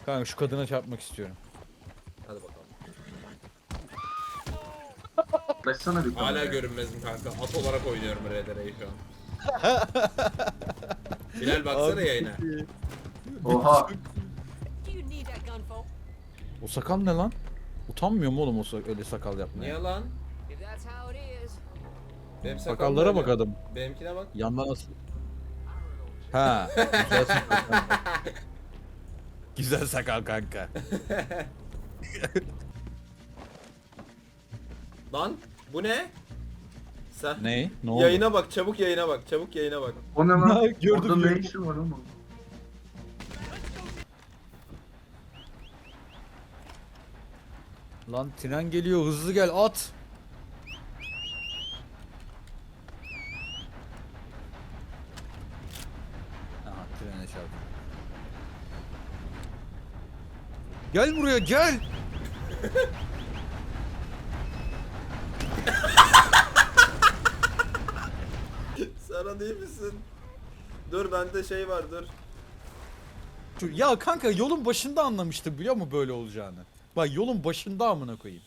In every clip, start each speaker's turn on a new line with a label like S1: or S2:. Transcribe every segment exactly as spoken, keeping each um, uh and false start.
S1: Kanka şu kadına çarpmak istiyorum.
S2: Hadi bakalım.
S3: Başlasana bir
S2: Hala
S3: kameraya.
S2: görünmezim kanka. At olarak oynuyorum R D R'yi şu an. Bilal baksana yayına.
S3: Oha.
S4: Do you need that gun, folk?
S1: O sakal ne lan? Utanmıyor mu oğlum o sa- öyle sakal yapmaya?
S2: Niye lan?
S4: If that's how it is.
S2: Benim sakalım
S1: Sakallara
S2: böyle.
S1: bak adam.
S2: Benimkine bak.
S1: Yandan nasıl? Ha. Güzel sakal kanka. Güzel sakal kanka.
S2: Lan bu ne? Sen
S1: Ne? Ne oldu?
S2: yayına bak, çabuk yayına bak, çabuk yayına bak.
S3: O ne lan?
S1: Gördüm,
S3: Orada ne
S1: gördüm.
S3: işi var oğlum?
S1: Lan tren geliyor, hızlı gel, at. Aha, trene çarptı. Gel buraya, gel.
S2: Sana değil misin? Dur bende şey var dur.
S1: Şu- Ya kanka yolun başında anlamıştım biliyor musun böyle olacağını? Bak yolun başında amına koyayım.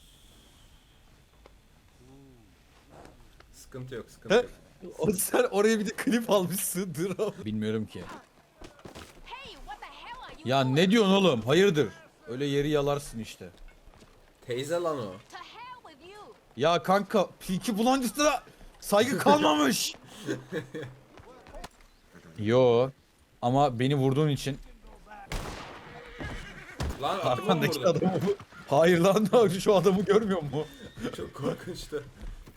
S2: Sıkıntı yok, sıkıntı
S1: He?
S2: yok.
S1: O sen oraya bir de klip almışsın. Dur abi. Bilmiyorum ki.
S4: Hey, what the hell are you
S1: Ya
S4: doing?
S1: ne diyorsun oğlum? Hayırdır? Öyle yeri yalarsın işte.
S2: Teyze lan o.
S4: To hell with you.
S1: Ya kanka Peaky Blinders'lara saygı kalmamış. Yo. Ama beni vurduğun için
S2: Lan atıma mı
S1: arkandaki
S2: vurdun?
S1: adamı... Hayır lan şu adamı görmüyor mu?
S2: Çok korkunçtu.